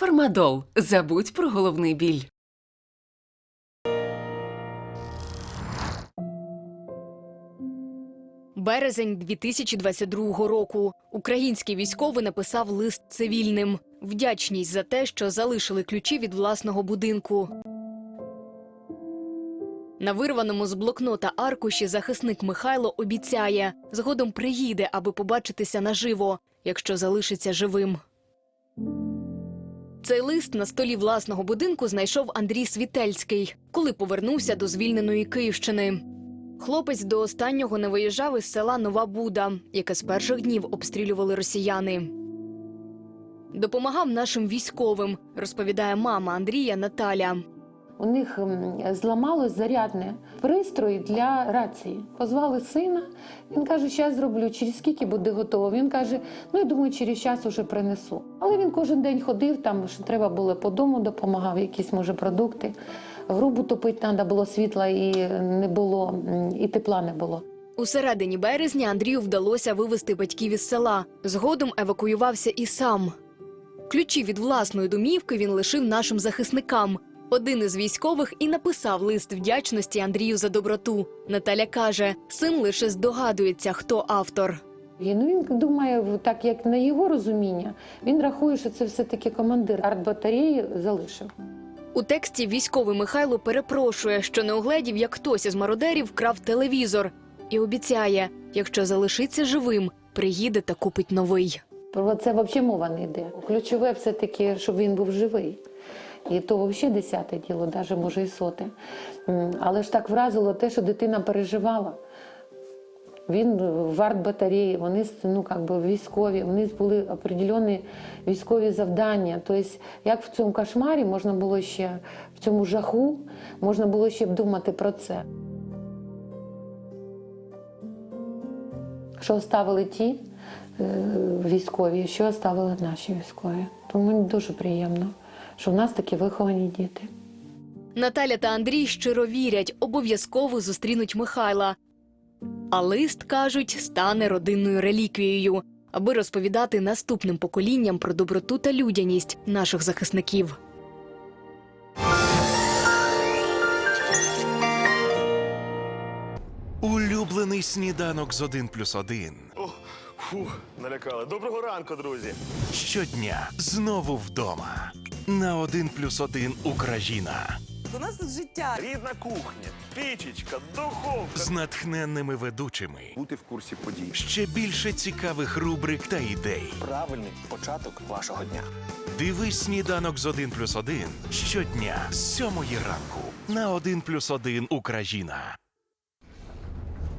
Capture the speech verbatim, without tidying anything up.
Фармадол. Забудь про головний біль. Березень дві тисячі двадцять другого року. Український військовий написав лист цивільним. Вдячність за те, що залишили ключі від власного будинку. На вирваному з блокнота аркуші захисник Михайло обіцяє, згодом приїде, аби побачитися наживо, якщо залишиться живим. Цей лист на столі власного будинку знайшов Андрій Світельський, коли повернувся до звільненої Київщини. Хлопець до останнього не виїжджав із села Нова Буда, яке з перших днів обстрілювали росіяни. Допомагав нашим військовим, розповідає мама Андрія Наталя. У них зламалось зарядне пристрій для рації. Позвали сина, він каже, що я зроблю, через скільки буде готово. Він каже, ну я думаю, через час уже принесу. Але він кожен день ходив, там що треба було по дому, допомагав, якісь, може, продукти. Грубу топити треба було, світла і не було, і тепла не було. У середині березня Андрію вдалося вивезти батьків із села. Згодом евакуювався і сам. Ключі від власної домівки він лишив нашим захисникам. Один із військових і написав лист вдячності Андрію за доброту. Наталя каже, син лише здогадується, хто автор. І, ну, він думає, так як на його розуміння, він рахує, що це все-таки командир артбатареї залишив. У тексті військовий Михайло перепрошує, що не угледів, як хтось із мародерів вкрав телевізор. І обіцяє, якщо залишиться живим, приїде та купить новий. Про це взагалі мова не йде. Ключове все-таки, щоб він був живий. І то взагалі десяте діло, навіть може і соте. Але ж так вразило те, що дитина переживала. Він в артбатареї, вони ну, як би, військові, у них були определені військові завдання. Тобто, як в цьому кошмарі можна було ще, в цьому жаху, можна було ще б думати про це. Що оставили ті військові, що оставили наші військові. Тому мені дуже приємно, що в нас такі виховані діти. Наталя та Андрій щиро вірять, обов'язково зустрінуть Михайла. А лист, кажуть, стане родинною реліквією, аби розповідати наступним поколінням про доброту та людяність наших захисників. Улюблений сніданок з один плюс один. О, фу, налякали. Доброго ранку, друзі. Щодня знову вдома. На один плюс один Україна. У нас тут життя. Рідна кухня, пічечка, духовка. З натхненними ведучими. Бути в курсі подій. Ще більше цікавих рубрик та ідей. Правильний початок вашого дня. Дивись сніданок з один плюс один щодня з сьомої ранку. На один плюс один Україна.